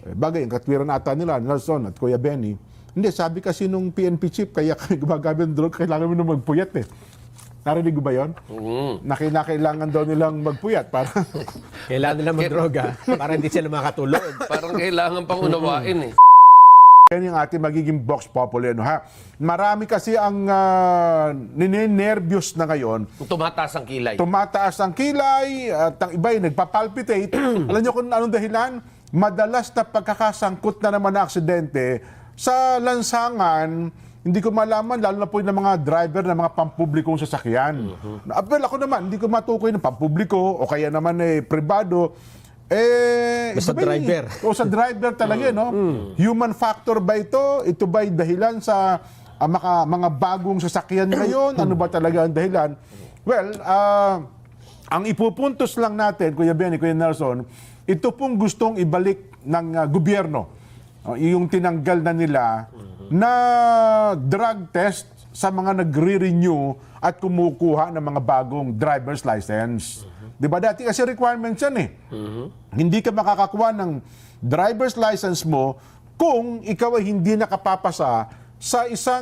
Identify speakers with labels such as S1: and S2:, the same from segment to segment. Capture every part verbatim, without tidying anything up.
S1: Bagay, ang katwiran ata nila, Nelson at Kuya Benny, hindi, sabi kasi nung P N P chief, kaya kami gumagamit ng drug, kailangan mo na magpuyat eh. Narinig mo ba yun? Mm. Na kinakailangan daw nilang magpuyat para...
S2: Kailangan nila magdroga para hindi sila makatulog.
S3: Parang kailangan pang unawain eh.
S1: Yan yung ating magiging Vox Populi, no, ha? Marami kasi ang uh, ninenervyos na ngayon.
S3: Tumataas ang kilay.
S1: Tumataas ang kilay at ang iba ay nagpapalpitate. Alam niyo kung anong dahilan? Madalas na pagkakasangkot na naman na aksidente sa lansangan. Hindi ko malaman, lalo na po yung mga driver ng mga pampublikong sasakyan. Uh-huh. Well, ako naman, hindi ko matukoy ng pampubliko o kaya naman eh, pribado. Eh,
S2: Basta driver.
S1: O sa driver talaga, no? Mm. Human factor ba ito? Ito ba'y dahilan sa uh, maka, mga bagong sasakyan ngayon? Ano ba talaga ang dahilan? Well, uh, ang ipupuntos lang natin, Kuya Benny, Kuya Nelson, ito pong gustong ibalik ng uh, gobyerno. Uh, yung tinanggal na nila na drug test sa mga nagre-renew at kumukuha ng mga bagong driver's license. Di ba dati kasi requirements yan eh. Uh-huh. Hindi ka makakakuha ng driver's license mo kung ikaw ay hindi nakapapasa sa isang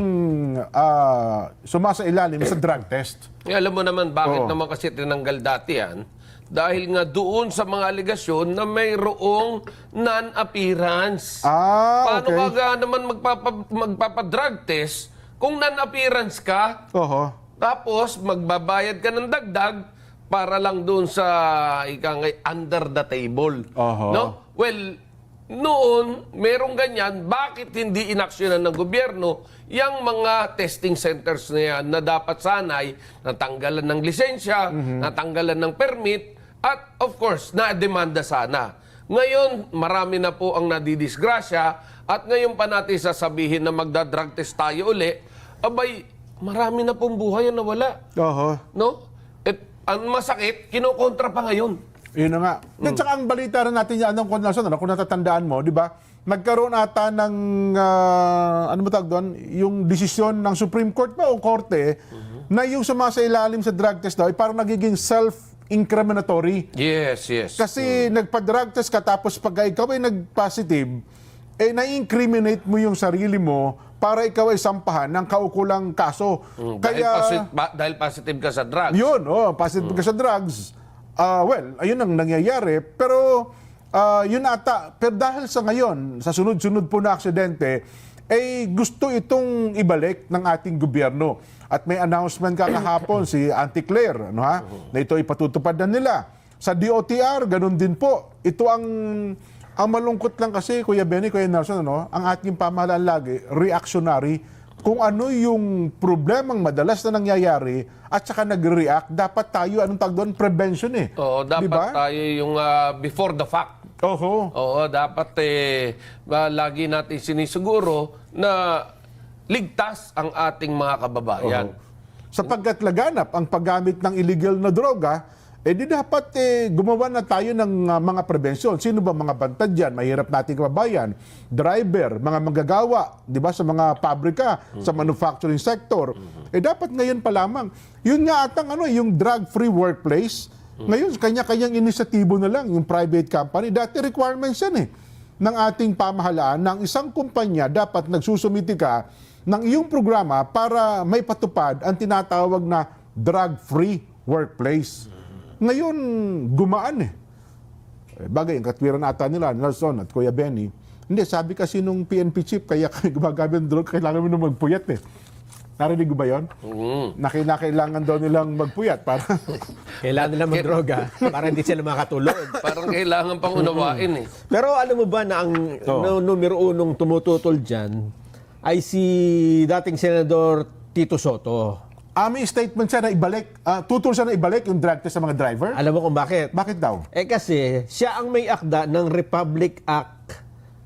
S1: uh, sumasailalim sa drug test.
S3: Eh, alam mo naman bakit
S1: Oo.
S3: naman kasi tinanggal dati yan? Dahil nga doon sa mga aligasyon na mayroong non-appearance.
S1: Ah,
S3: Paano
S1: okay.
S3: ka ga naman magpapa, magpapa-drug test kung non-appearance ka?
S1: Oho.
S3: Tapos magbabayad ka ng dagdag para lang doon sa ikangay under the table.
S1: Oho.
S3: No? Well, noon, merong ganyan, bakit hindi inaksyonan ng gobyerno yung mga testing centers na yan na dapat sanay natanggalan ng lisensya, mm-hmm. natanggalan ng permit, at of course, na-demanda sana. Ngayon, marami na po ang nadidisgrasya at ngayon pa natin sasabihin na magda-drug test tayo uli, abay, marami na pong buhay ang nawala.
S1: Oho.
S3: No? At ang masakit, kinokontra pa ngayon.
S1: Yun na nga. Mm. At saka ang balita rin natin yan, anong konlasyon, ano, kung natatandaan mo, di ba? Nagkaroon ata ng, uh, ano mo tawag doon, yung desisyon ng Supreme Court ba o Korte, mm-hmm. na yung sumasailalim sa drug test daw, ay parang nagiging self-incriminatory.
S3: Yes, yes.
S1: Kasi mm. nagpa-drug test ka, tapos pag ikaw ay nag-positive, eh na-incriminate mo yung sarili mo para ikaw ay sampahan ng kaukulang kaso.
S3: Mm,
S1: Kaya,
S3: dahil, posit- ba- dahil positive ka sa drugs.
S1: yun, oh, positive mm. ka sa drugs. Uh, well, ayun ang nangyayari. Pero, uh, yun ata, pero dahil sa ngayon, sa sunod-sunod po na aksidente, eh gusto itong ibalik ng ating gobyerno. At may announcement kakahapon si Auntie Claire, ano, ha? Na ito ipatutupad na nila. Sa D O T R, ganun din po. Ito ang... Ang malungkot lang kasi, Kuya Benny, Kuya Nelson, ano, ang ating pamahalaan lagi, reactionary. Kung ano yung problemang madalas na nangyayari at saka nagre-react, dapat tayo, anong tawag doon, prevention eh.
S3: Oo, dapat
S1: diba?
S3: tayo yung uh, before the fact.
S1: Oho.
S3: Oo, dapat eh, uh, lagi natin sinisiguro na ligtas ang ating mga kababayan.
S1: Oho. Sapagkat laganap ang paggamit ng illegal na droga, eh di dapat eh, gumawa na tayo ng uh, mga prevensyon. Sino ba mga bantad dyan? Mahirap nating kababayan. Driver, mga manggagawa, di ba, sa mga pabrika, mm-hmm. sa manufacturing sector. Mm-hmm. Eh dapat ngayon pa lamang. Yun nga atang ano, yung drug-free workplace. Mm-hmm. Ngayon, kanya-kanyang inisyatibo na lang, yung private company. Dati requirements yan eh, ng ating pamahalaan, ng isang kumpanya, dapat nagsusumiti ka ng iyong programa para may patupad ang tinatawag na drug-free workplace. Ngayon, gumaan eh. Bagay, ang katwiran ata nila, Nelson at Kuya Benny, hindi, sabi kasi nung P N P chief, kaya kami gumagamit ng drug, kailangan mo na magpuyat eh. Narinig ba yun? Mm. Na kinakailangan daw nilang magpuyat para...
S2: Kailangan nila magdroga para hindi sila makatulog.
S3: Parang kailangan pang unawain eh.
S2: Pero alam mo ba na ang
S1: Oo.
S2: no, numero unong tumututol dyan ay si dating Senador Tito Soto.
S1: Ah, may statement siya na ibalik, uh, tutol siya na ibalik yung drug test sa mga driver?
S2: Alam mo kung bakit?
S1: Bakit daw?
S2: Eh kasi siya ang may akda ng Republic Act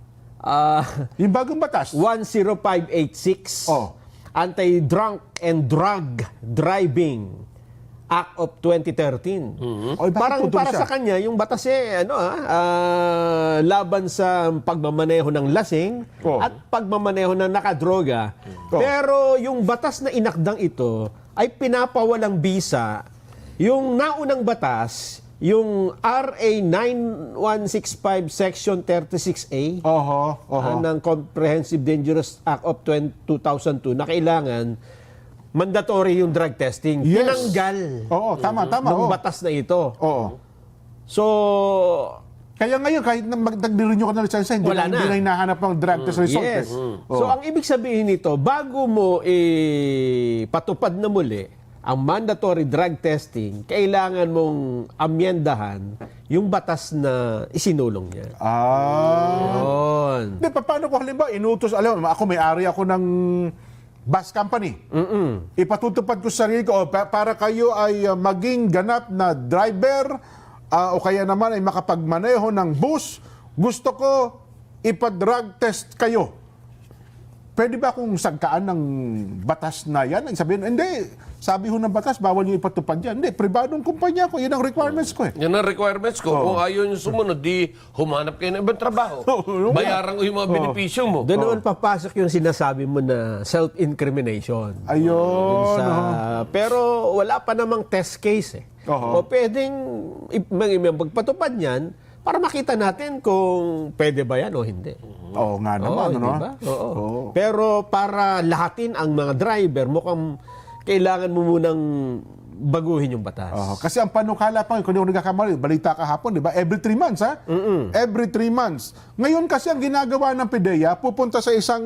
S2: uh,
S1: Yung bagong batas?
S2: one oh five eight six,
S1: Oh.
S2: Anti-Drunk and Drug Driving Act of twenty thirteen.
S1: Mm-hmm. Oy, bakit
S2: Parang
S1: tutol
S2: para
S1: siya?
S2: sa kanya, yung batas eh, ano ah, ah, laban sa pagmamaneho ng lasing
S1: Oh.
S2: at pagmamaneho ng nakadroga.
S1: Oh.
S2: Pero yung batas na inakdang ito ay pinapawalang bisa yung naunang batas yung R A nine one six five Section thirty-six A
S1: Oho, oho.
S2: ah, ng Comprehensive Dangerous Act of two thousand two na kailangan mandatory yung drug testing.
S1: Yes.
S2: Tinanggal
S1: Oo, tama, tama.
S2: ng
S1: oo.
S2: batas na ito.
S1: Oo.
S2: So,
S1: Kaya ngayon, kahit na mag-renew ka ng lisensya, hindi
S2: Wala
S1: na, hindi
S2: na.
S1: na hinahanap ang drug test result.
S2: yes.
S1: eh.
S2: So,
S1: Oo.
S2: ang ibig sabihin nito, bago mo eh, patupad na muli ang mandatory drug testing, kailangan mong amyendahan yung batas na isinulong niya.
S1: Ah.
S2: Yun.
S1: Hindi, pa- paano ko halimbawa, inutos, alam mo, ako may-ari ako ng bus company.
S2: Mm-mm.
S1: Ipatutupad ko sa sarili ko, oh, pa- para kayo ay uh, maging ganap na driver, ah, o kaya naman ay makapagmaneho ng bus, gusto ko ipa-drug test kayo. Pwede ba akong sagkaan ng batas na yan? Ang sabihin, hindi, sabi ho ng batas, bawal yung ipatupad yan. Hindi, pribadong kumpanya ko, yun ang requirements ko eh.
S3: Yan ang requirements ko. Kung ayaw nyo sumunod, di humanap kayo ng ibang trabaho.
S1: Oo,
S3: Bayaran ko yung mga benepisyo mo.
S2: Doon naman papasok yung sinasabi mo na self-incrimination.
S1: Ayun.
S2: Sa,
S1: oh.
S2: pero wala pa namang test case eh.
S1: Oo.
S2: O pwedeng ip- mag- magpatupad niyan para makita natin kung pwede ba yan o hindi.
S1: Oo nga naman,
S2: Oo,
S1: ano?
S2: di ba? Oo.
S1: Oo.
S2: Pero para lahatin ang mga driver, mukhang kailangan mo munang baguhin yung batas.
S1: Oo, kasi ang panukala pa, kung hindi ako nagkakamali, balita kahapon, di ba? Every three months, ha? Every three months. Ngayon kasi ang ginagawa ng PIDEA, pupunta sa isang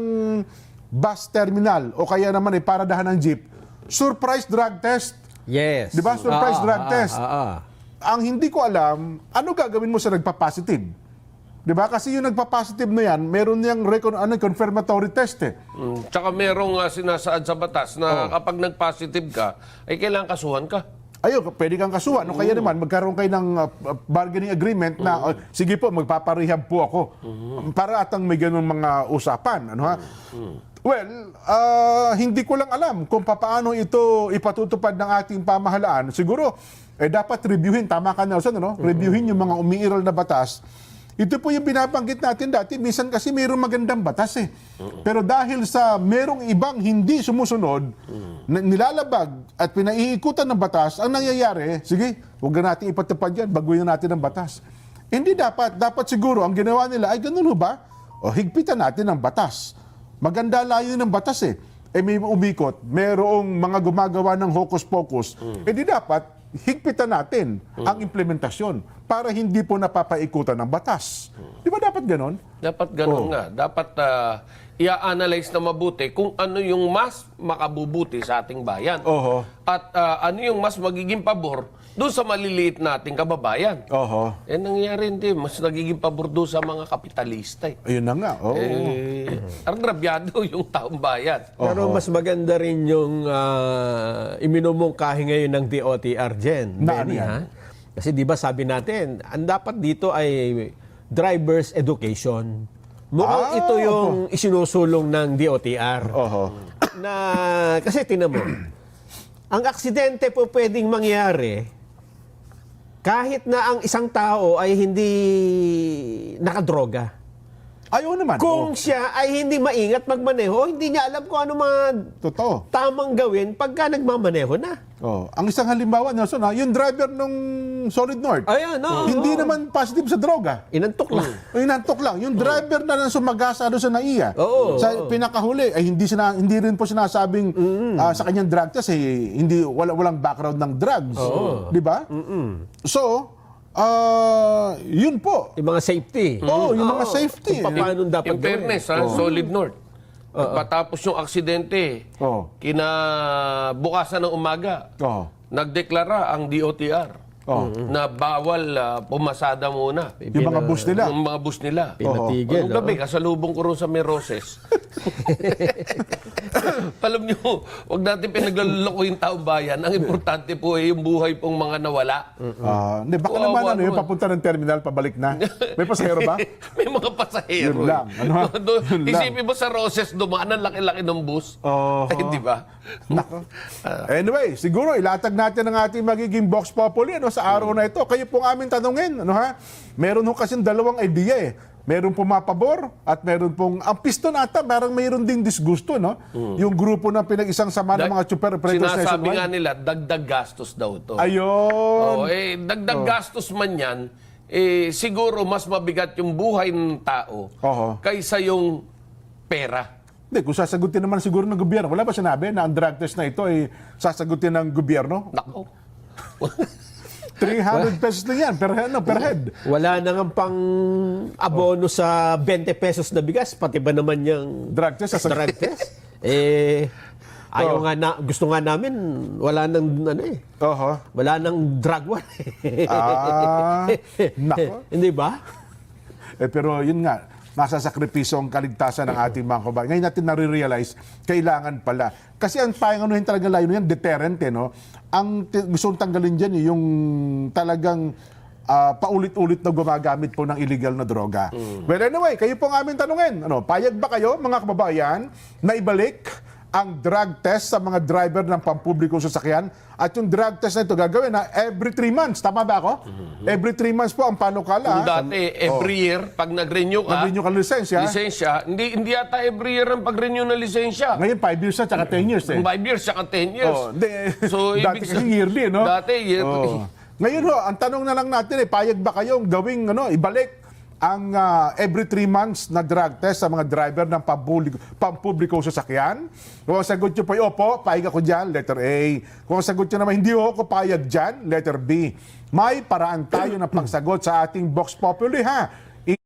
S1: bus terminal o kaya naman ay paradahan ng jeep, surprise drug test.
S2: Yes.
S1: Di ba? Surprise
S2: Ah,
S1: drug
S2: ah,
S1: test.
S2: ah, ah.
S1: Ang hindi ko alam, ano gagawin mo sa nagpa-positive? Di ba? Kasi yung nagpa-positive na yan, meron niyang recon, ano, confirmatory test eh.
S3: Mm. Tsaka merong uh, sinasaad sa batas na kapag nag-positive ka, ay kailangan kasuhan ka.
S1: Ayun, pwede kang kasuhan. No? Kaya naman, magkaroon kayo ng uh, uh, bargaining agreement na, "Oh, sige po, magpaparehab po ako." Para atang may ganun mga usapan. Ano ha? Well, ah, hindi ko lang alam kung paano ito ipatutupad ng ating pamahalaan. Siguro, eh, dapat reviewin. Tama ka, Nelson, ano? Reviewin yung mga umiiral na batas. Ito po yung binabanggit natin dati. Minsan kasi mayroong magandang batas eh. Pero dahil sa merong ibang hindi sumusunod, na nilalabag at pinaiikutan ng batas, ang nangyayari, sige, huwag na natin ipatupad yan, baguhin natin ang batas. Hindi dapat. Dapat siguro, ang ginawa nila, ay ganun ho ba? O higpitan natin ang batas. Maganda layo ng batas eh. Eh may umikot, merong mga gumagawa ng hocus-pocus. Eh di dapat, higpitan natin ang implementasyon para hindi po napapaikutan ng batas. Di ba dapat ganon?
S3: Dapat ganun
S1: Oo.
S3: nga. Dapat uh, i-analyze na mabuti kung ano yung mas makabubuti sa ating bayan.
S1: Oho.
S3: At uh, ano yung mas magiging pabor doon sa maliliit nating kababayan.
S1: Oho.
S3: Eh, nangyayari hindi. Mas nagiging pabor doon sa mga kapitalista. Eh,
S1: Ayun na nga. Oo.
S3: eh agrabyado yung taong bayan.
S2: Pero mas maganda rin yung uh, iminumungkahi ngayon ng D O T R, Jen.
S1: Na ano
S2: Benny,
S1: yan?
S2: ha? Kasi di ba sabi natin, ang dapat dito ay driver's education. Mukhang
S1: Ah,
S2: ito yung isinusulong ng D O T R.
S1: Oho.
S2: Na, kasi tinan mo, ang aksidente po pwedeng mangyari kahit na ang isang tao ay hindi nakadroga.
S1: Ayaw naman.
S2: Kung
S1: Oo.
S2: siya ay hindi maingat magmaneho, hindi niya alam kung ano mga
S1: Totoo.
S2: tamang gawin pagka nagmamaneho na.
S1: Oh, ang isang halimbawa, Nelson, ha, yung driver nung Solid North,
S2: Ayan, no.
S1: hindi naman positive sa droga.
S2: Inantok lang.
S1: O inantok lang. Yung driver na nang sumagasa doon sa N A I A,
S2: Oo,
S1: sa
S2: oo.
S1: pinakahuli, ay hindi, sina, hindi rin po sinasabing ah, sa kanyang drug test, eh, hindi, wala, walang background ng drugs. Di ba? So, ah, yun po.
S2: Yung mga safety.
S1: Oo, yung mga
S2: Oo.
S1: safety.
S2: Kung paano dapat
S3: In fairness, ha, Solid North. Pagkatapos yung aksidente,
S1: Oo.
S3: kinabukasan ng umaga,
S1: Oo.
S3: nagdeklara ang D O T R
S1: Oo.
S3: na bawal ah, pumasada muna.
S1: Yung mga bus nila.
S3: Yung mga bus nila.
S2: Pinatigil.
S3: Anong gabi, kasalubong ko rin sa Meroses. Alam nyo, huwag natin pinaglaloko yung taong bayan. Ang importante po ay yung buhay pong mga nawala.
S1: Ah, hindi, baka
S3: Kawawa
S1: naman ano, yung
S3: naman.
S1: papunta ng terminal, pabalik na. May pasahero ba?
S3: May mga pasahero.
S1: Yun lang. Ano ha?
S3: Do-
S1: Yun lang.
S3: Isipin mo sa Roses, dumaan ang laki-laki ng bus.
S1: Oo.
S3: Ay, di ba?
S1: Nako. Anyway, siguro ilatag natin ang ating magiging Vox Populi ano, sa araw na ito. Kayo pong aming tanungin. Ano, ha? Meron ho kasing dalawang idea eh. Meron pumapabor at meron pong, ang pisto nata, parang mayroon ding disgusto, no? Yung grupo ng pinag-isang sama ng
S3: Dag-
S1: mga super operators
S3: Sinasabi nga
S1: nationwide.
S3: nila, dagdag gastos daw to.
S1: Ayun.
S3: Oh, eh, dagdag gastos man yan, eh, siguro mas mabigat yung buhay ng tao
S1: Oho.
S3: kaysa yung pera.
S1: Hindi, kung sasagutin naman siguro ng gobyerno, wala ba sinabi na ang drug test na ito ay sasagutin ng gobyerno?
S3: Nako.
S1: three hundred pesos na yan per, ano, per head.
S2: Wala na nga pang abono sa twenty pesos na bigas, pati ba naman yung
S1: Drug test, sasagutin.
S2: drug test? Eh, ayaw
S1: Oh.
S2: nga na, gusto nga namin, wala nang, ano eh,
S1: Oho.
S2: wala nang drug war.
S1: Ah, nako.
S2: Hindi ba?
S1: Eh, pero yun nga, nasa sakripisyo ang kaligtasan ng ating mga kabayan. Ngayon natin nare-realize, kailangan pala. Kasi ang tayong anuhin talaga layo yan, deterrent, eh, no? Ang t- gusto kong tanggalin dyan, eh, yung talagang ah, paulit-ulit na gumagamit po ng illegal na droga. Well, anyway, kayo po ang aming tanungin. Ano, payag ba kayo, mga kababayan, na ibalik ang drug test sa mga driver ng pampublikong sasakyan? At yung drug test na ito gagawin na every three months. Tama ba ako? Every three months po ang panukala.
S3: Kung dati, every year, pag nag-renew ka,
S1: Nag-renew ka ng lisensya.
S3: lisensya, hindi, hindi yata every year ang pag-renew ng lisensya.
S1: Ngayon, five years na, tsaka ten years eh.
S3: Five years, saka ten years.
S1: Oh, hindi.
S3: So,
S1: dati
S3: ibig
S1: kasi
S3: sabihin-
S1: yearly, no?
S3: Dati, yearly.
S1: Oh. Ngayon ho, ang tanong na lang natin eh, payag ba kayong gawing, ano, ibalik ang ah, every three months na drug test sa mga driver ng pampubliko, pampubliko sasakyan? Kung ang sagot nyo po ay opo, payag ako dyan, letter A. Kung ang sagot nyo naman, hindi ako payag dyan, letter B. May paraan tayo ng pagsagot sa ating Vox Populi, ha?